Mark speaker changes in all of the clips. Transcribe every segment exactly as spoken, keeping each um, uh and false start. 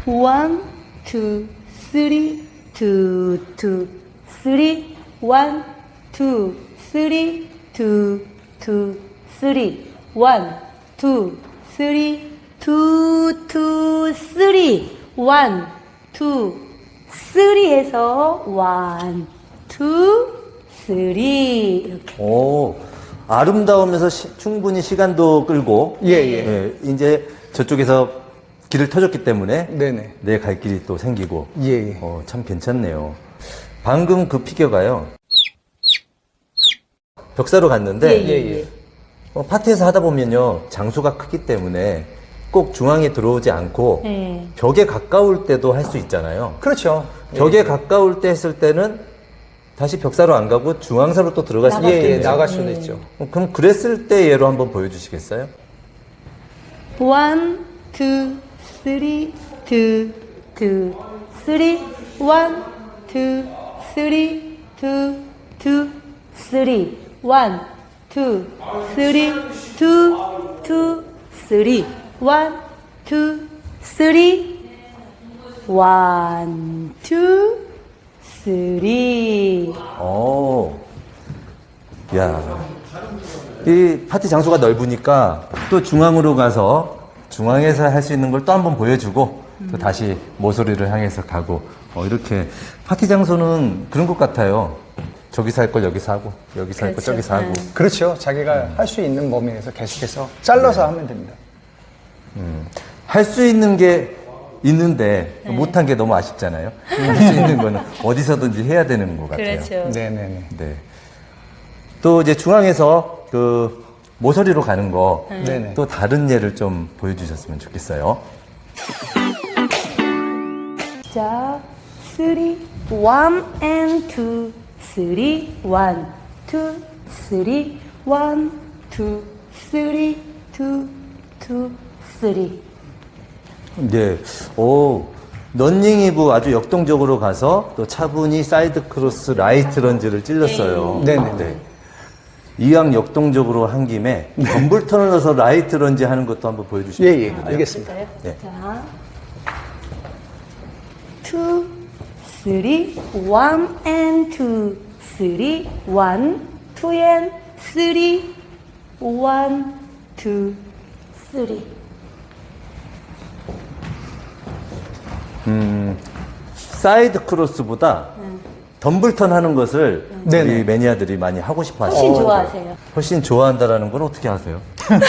Speaker 1: one, two, three, two, two, three, one, two, three, two, two, three, one, two, three, two, two, three, one, two, three 해서 one, two, three 이렇게.
Speaker 2: 오, 아름다우면서 시, 충분히 시간도 끌고
Speaker 3: 예, 예.
Speaker 2: 예, 이제 저쪽에서 길을 터줬기 때문에
Speaker 3: 네네.
Speaker 2: 내 갈 길이 또 생기고
Speaker 3: 예, 예.
Speaker 2: 어, 참 괜찮네요. 방금 그 피겨가요. 벽사로 갔는데
Speaker 1: 예, 예, 예.
Speaker 2: 어, 파티에서 하다 보면요 장소가 크기 때문에 꼭 중앙에 들어오지 않고
Speaker 1: 예.
Speaker 2: 벽에 가까울 때도 할 수 있잖아요.
Speaker 3: 그렇죠.
Speaker 2: 벽에 가까울 때 했을 때는 다시 벽사로 안 가고 중앙사로 또 들어갈 수도
Speaker 3: 예, 예,
Speaker 2: 있겠네요.
Speaker 3: 나갈 수도 있죠.
Speaker 2: 어, 그럼 그랬을 때 예로 한번 보여주시겠어요?
Speaker 1: one, two, three, two, two, three, one, two, three, two, two, three, one, two, three, two, two, three, one, two, three, one, two, three.
Speaker 2: 오, 야, 이 파티 장소가 넓으니까 또 중앙으로 가서 중앙에서 할 수 있는 걸 또 한번 보여주고 또 다시 모서리를 향해서 가고 어, 이렇게 파티 장소는 그런 것 같아요. 저기서 할 걸 여기서 하고 여기서 할 걸
Speaker 1: 그렇죠.
Speaker 2: 저기서 하고
Speaker 1: 네.
Speaker 3: 그렇죠. 자기가 할 수 있는 범위에서 계속해서 잘라서 하면 됩니다.
Speaker 2: 할 수 있는 게 있는데
Speaker 1: 네.
Speaker 2: 못한 게 너무 아쉽잖아요. 할 수 있는 거는 어디서든지 해야 되는 것 같아요.
Speaker 1: 그렇죠.
Speaker 3: 네네네.
Speaker 2: 네. 또 이제 중앙에서 그 모서리로 가는 거 또
Speaker 3: 네네.
Speaker 2: 다른 예를 좀 보여주셨으면 좋겠어요.
Speaker 1: 자, three, one and two, three, one, two, three, one, two, three, two, two, three.
Speaker 2: 네. 오, 런닝이브 아주 역동적으로 가서 또 차분히 사이드 크로스 라이트 런지를 찔렀어요.
Speaker 3: 네네.
Speaker 2: 네. 이왕 역동적으로 한 김에 덤블턴을 넣어서 라이트 런지 하는 것도 한번 보여주시면
Speaker 3: 예, 예. 알겠습니다.
Speaker 2: 네.
Speaker 1: 자, two, three, one and two, three, one, two and three, one, two, three.
Speaker 2: 사이드 크로스보다 덤블턴 하는 것을
Speaker 3: 네네.
Speaker 2: 우리 매니아들이 많이 하고 싶어
Speaker 1: 훨씬
Speaker 2: 하시죠.
Speaker 1: 좋아하세요.
Speaker 2: 훨씬 좋아한다라는 건 어떻게 아세요?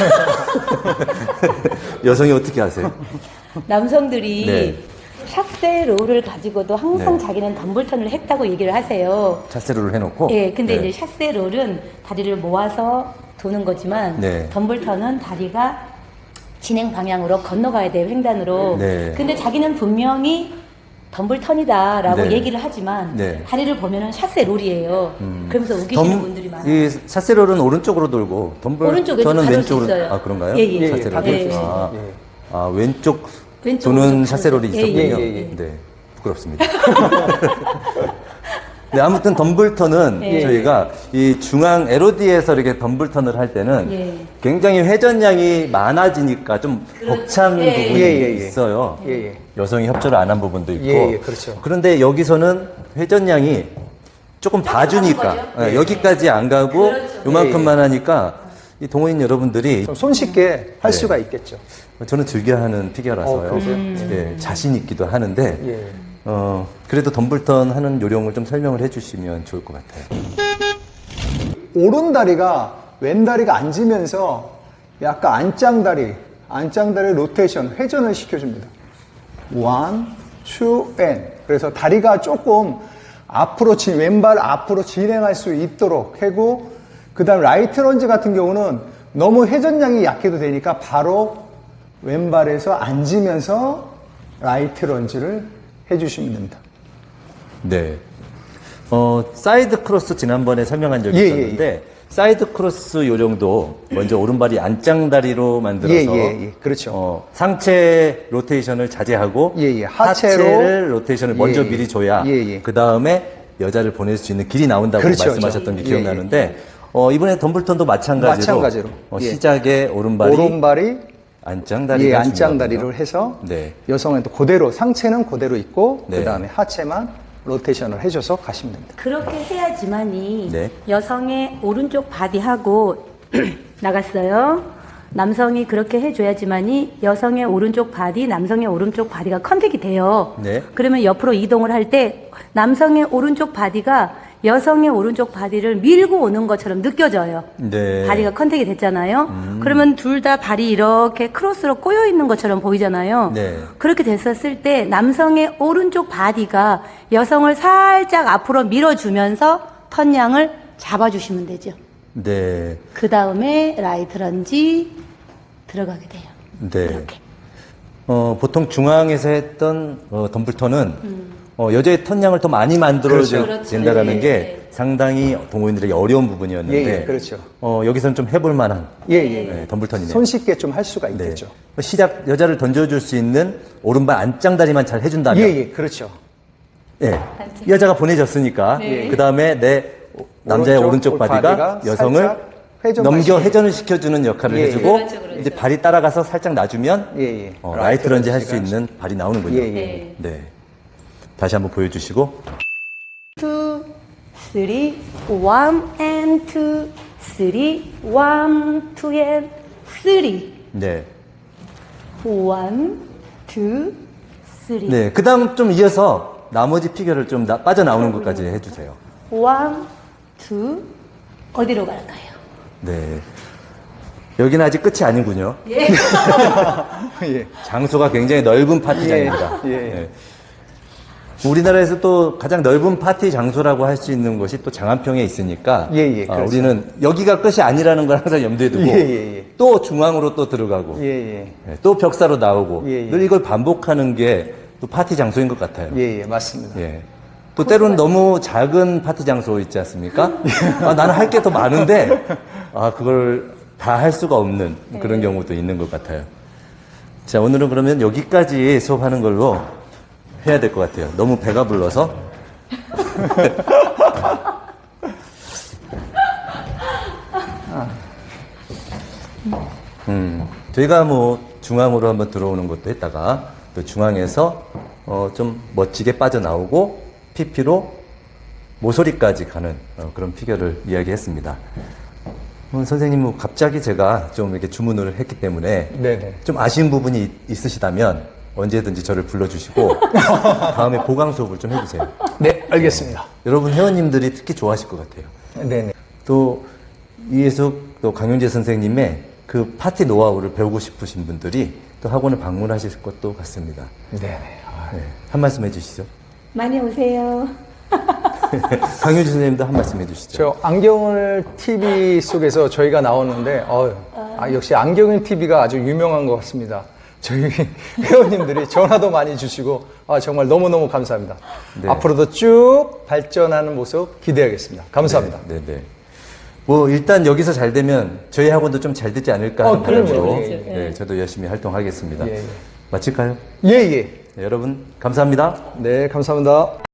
Speaker 2: 여성이 어떻게 아세요?
Speaker 1: 남성들이
Speaker 2: 네.
Speaker 1: 샷세 롤을 가지고도 항상
Speaker 2: 네.
Speaker 1: 자기는 덤블턴을 했다고 얘기를 하세요.
Speaker 2: 차세로를 해놓고.
Speaker 1: 예, 근데
Speaker 2: 네.
Speaker 1: 이제 샷세 롤은 다리를 모아서 도는 거지만
Speaker 2: 네.
Speaker 1: 덤블턴은 다리가 진행 방향으로 건너가야 돼요, 횡단으로.
Speaker 2: 네.
Speaker 1: 근데 자기는 분명히 덤블턴이다라고
Speaker 2: 네.
Speaker 1: 얘기를 하지만
Speaker 2: 네.
Speaker 1: 다리를 보면은 샷세 롤이에요. 그러면서 우기시는
Speaker 2: 덤-
Speaker 1: 분들이 많아요.
Speaker 2: 이 차세로는 오른쪽으로 돌고 덤블
Speaker 1: 오른쪽, 왼쪽
Speaker 2: 저는
Speaker 1: 다를 수
Speaker 2: 왼쪽으로
Speaker 1: 있어요.
Speaker 2: 아 그런가요?
Speaker 1: 예, 예.
Speaker 2: 차세로.
Speaker 3: 예, 예,
Speaker 1: 예, 예.
Speaker 2: 아,
Speaker 3: 예.
Speaker 2: 아, 왼쪽
Speaker 1: 왼쪽,
Speaker 2: 도는
Speaker 1: 오른쪽
Speaker 2: 차세롤이
Speaker 1: 다르죠. 예,
Speaker 2: 있었군요.
Speaker 3: 예, 예, 예.
Speaker 2: 네, 부끄럽습니다. 네, 아무튼 덤블턴은
Speaker 1: 예.
Speaker 2: 저희가 이 중앙 엘오디에서 이렇게 덤블턴을 할 때는
Speaker 1: 예.
Speaker 2: 굉장히 회전량이 많아지니까 좀 벅찬
Speaker 1: 예, 예.
Speaker 2: 부분이
Speaker 3: 예, 예, 예.
Speaker 2: 있어요.
Speaker 3: 예, 예.
Speaker 2: 여성이 협조를 안 한 부분도 있고.
Speaker 3: 예, 예, 그렇죠.
Speaker 2: 그런데 여기서는 회전량이 조금 봐주니까
Speaker 1: 거죠?
Speaker 2: 예, 여기까지 안 가고
Speaker 1: 그렇죠.
Speaker 2: 요만큼만 하니까 이 동호인 여러분들이
Speaker 3: 좀 손쉽게 할
Speaker 2: 네.
Speaker 3: 수가 있겠죠.
Speaker 2: 저는 즐겨하는 피겨라서요.
Speaker 3: 어, 그러세요?
Speaker 2: 예, 자신 있기도 하는데
Speaker 3: 예.
Speaker 2: 어, 그래도 덤블턴 하는 요령을 좀 설명을 해주시면 좋을 것 같아요.
Speaker 3: 오른다리가 왼다리가 앉으면서 약간 안짱다리, 안짱다리 로테이션, 회전을 시켜줍니다. one, two, and. 그래서 다리가 조금 앞으로, 진, 왼발 앞으로 진행할 수 있도록 하고, 그 다음 라이트 런지 같은 경우는 너무 회전량이 약해도 되니까 바로 왼발에서 앉으면서 라이트 런지를 해주시면 됩니다.
Speaker 2: 네. 어, 사이드 크로스 지난번에 설명한 적이
Speaker 3: 예, 예,
Speaker 2: 있었는데 사이드 크로스 요령도 먼저 오른발이 안짱다리로 만들어서
Speaker 3: 예, 예, 예. 그렇죠.
Speaker 2: 어, 상체 로테이션을 자제하고
Speaker 3: 예, 예. 하체로
Speaker 2: 하체를 로테이션을 먼저
Speaker 3: 예,
Speaker 2: 미리 줘야
Speaker 3: 예, 예.
Speaker 2: 그 다음에 여자를 보낼 수 있는 길이 나온다고
Speaker 3: 그렇죠,
Speaker 2: 말씀하셨던 게
Speaker 3: 그렇죠.
Speaker 2: 기억나는데 어, 이번에 덤블턴도 마찬가지로,
Speaker 3: 마찬가지로.
Speaker 2: 어,
Speaker 3: 예.
Speaker 2: 시작에 오른발이,
Speaker 3: 오른발이
Speaker 2: 안짱다리가
Speaker 3: 예,
Speaker 2: 중요하군요.
Speaker 3: 안짱다리를 해서
Speaker 2: 네.
Speaker 3: 여성은 또 그대로 상체는 그대로 있고
Speaker 2: 네.
Speaker 3: 그 다음에 하체만 로테이션을 해줘서 가시면 됩니다.
Speaker 1: 그렇게 해야지만이
Speaker 2: 네.
Speaker 1: 여성의 오른쪽 바디하고 나갔어요. 남성이 그렇게 해줘야지만이 여성의 오른쪽 바디, 남성의 오른쪽 바디가 컨택이 돼요.
Speaker 2: 네.
Speaker 1: 그러면 옆으로 이동을 할 때 남성의 오른쪽 바디가 여성의 오른쪽 바디를 밀고 오는 것처럼 느껴져요.
Speaker 2: 네.
Speaker 1: 바디가 컨택이 됐잖아요.
Speaker 2: 음.
Speaker 1: 그러면 둘 다 발이 이렇게 크로스로 꼬여 있는 것처럼 보이잖아요.
Speaker 2: 네.
Speaker 1: 그렇게 됐었을 때 남성의 오른쪽 바디가 여성을 살짝 앞으로 밀어주면서 턴양을 잡아주시면 되죠.
Speaker 2: 네.
Speaker 1: 그 다음에 라이트 런지 들어가게 돼요.
Speaker 2: 네.
Speaker 1: 이렇게.
Speaker 2: 어, 보통 중앙에서 했던 어, 덤블턴은 어, 여자의 턴량을 더 많이 만들어야
Speaker 1: 그렇죠.
Speaker 2: 된다라는
Speaker 1: 예,
Speaker 2: 게
Speaker 1: 예.
Speaker 2: 상당히 동호인들에게 어려운 부분이었는데
Speaker 3: 예, 예, 그렇죠.
Speaker 2: 어, 여기서는 좀 해볼 만한
Speaker 3: 예, 예.
Speaker 2: 네, 덤블턴이네요.
Speaker 3: 손쉽게 좀 할 수가
Speaker 2: 네.
Speaker 3: 있겠죠.
Speaker 2: 시작 여자를 던져줄 수 있는 오른발 안짱다리만 잘 해준다면
Speaker 3: 예, 예, 그렇죠.
Speaker 2: 예. 여자가 보내졌으니까
Speaker 1: 네.
Speaker 2: 그 다음에 내 남자의 오른쪽,
Speaker 3: 오른쪽
Speaker 2: 바디가,
Speaker 3: 바디가
Speaker 2: 여성을
Speaker 3: 살짝 회전
Speaker 2: 넘겨
Speaker 3: 방식으로.
Speaker 2: 회전을 시켜주는 역할을
Speaker 3: 예, 예.
Speaker 2: 해주고
Speaker 1: 그렇죠, 그렇죠.
Speaker 2: 이제 발이 따라가서 살짝 놔주면
Speaker 3: 예, 예.
Speaker 2: 어, 라이트 런지 할 수
Speaker 3: 런지가
Speaker 2: 있는 발이 나오는군요.
Speaker 3: 예, 예.
Speaker 2: 네. 다시 한번 보여주시고
Speaker 1: two, three, one and two, three, one, two and three,
Speaker 2: 네.
Speaker 1: one, two, three,
Speaker 2: 네. 그 다음 좀 이어서 나머지 피겨를 좀 나- 빠져나오는 것까지 해주세요.
Speaker 1: one, two, 어디로 갈까요?
Speaker 2: 네. 여기는 아직 끝이 아니군요.
Speaker 1: 예.
Speaker 3: 예.
Speaker 2: 장소가 굉장히 넓은 파티장입니다.
Speaker 3: 예, 예.
Speaker 2: 네. 우리나라에서 또 가장 넓은 파티 장소라고 할 수 있는 것이 또 장안평에 있으니까
Speaker 3: 예, 예,
Speaker 2: 아,
Speaker 3: 그렇죠.
Speaker 2: 우리는 여기가 끝이 아니라는 걸 항상 염두에 두고
Speaker 3: 예, 예, 예.
Speaker 2: 또 중앙으로 또 들어가고
Speaker 3: 예, 예.
Speaker 2: 예, 또 벽사로 나오고
Speaker 3: 예, 예.
Speaker 2: 늘 이걸 반복하는 게 또 파티 장소인 것 같아요.
Speaker 3: 예, 예, 맞습니다.
Speaker 2: 예. 또 때로는 너무 작은 파티 장소 있지 않습니까? 아, 나는 할 게 더 많은데 아 그걸 다 할 수가 없는 그런 경우도 있는 것 같아요. 자 오늘은 그러면 여기까지 수업하는 걸로 해야 될 것 같아요. 너무 배가 불러서. 음, 저희가 뭐 중앙으로 한번 들어오는 것도 했다가 또 중앙에서 어, 좀 멋지게 빠져나오고 피피로 모서리까지 가는 어, 그런 피겨를 이야기했습니다. 어, 선생님, 뭐 갑자기 제가 좀 이렇게 주문을 했기 때문에
Speaker 3: 네네.
Speaker 2: 좀 아쉬운 부분이 있- 있으시다면 언제든지 저를 불러주시고 다음에 보강 수업을 좀 해주세요.
Speaker 3: 네, 알겠습니다.
Speaker 2: 여러분 회원님들이 특히 좋아하실 것 같아요.
Speaker 3: 네네.
Speaker 2: 또 이예숙 또 강윤재 선생님의 그 파티 노하우를 배우고 싶으신 분들이 또 학원을 방문하실 것도 같습니다.
Speaker 3: 네네. 아,
Speaker 2: 네, 한 말씀 해주시죠.
Speaker 1: 많이 오세요.
Speaker 2: 강윤재 선생님도 한 말씀 해주시죠.
Speaker 3: 저 안경을 티비 속에서 저희가 나오는데, 어휴, 아, 역시 안경을 티비가 아주 유명한 것 같습니다. 저희 회원님들이 전화도 많이 주시고, 아, 정말 너무너무 감사합니다.
Speaker 2: 네.
Speaker 3: 앞으로도 쭉 발전하는 모습 기대하겠습니다. 감사합니다.
Speaker 2: 네, 네. 뭐 일단 여기서 잘 되면 저희 학원도 좀 잘 되지 않을까 하는
Speaker 3: 어, 그럼요.
Speaker 2: 바람으로
Speaker 3: 예, 예.
Speaker 2: 네, 저도 열심히 활동하겠습니다.
Speaker 3: 예, 예.
Speaker 2: 마칠까요?
Speaker 3: 예, 예.
Speaker 2: 네, 여러분 감사합니다.
Speaker 3: 네, 감사합니다.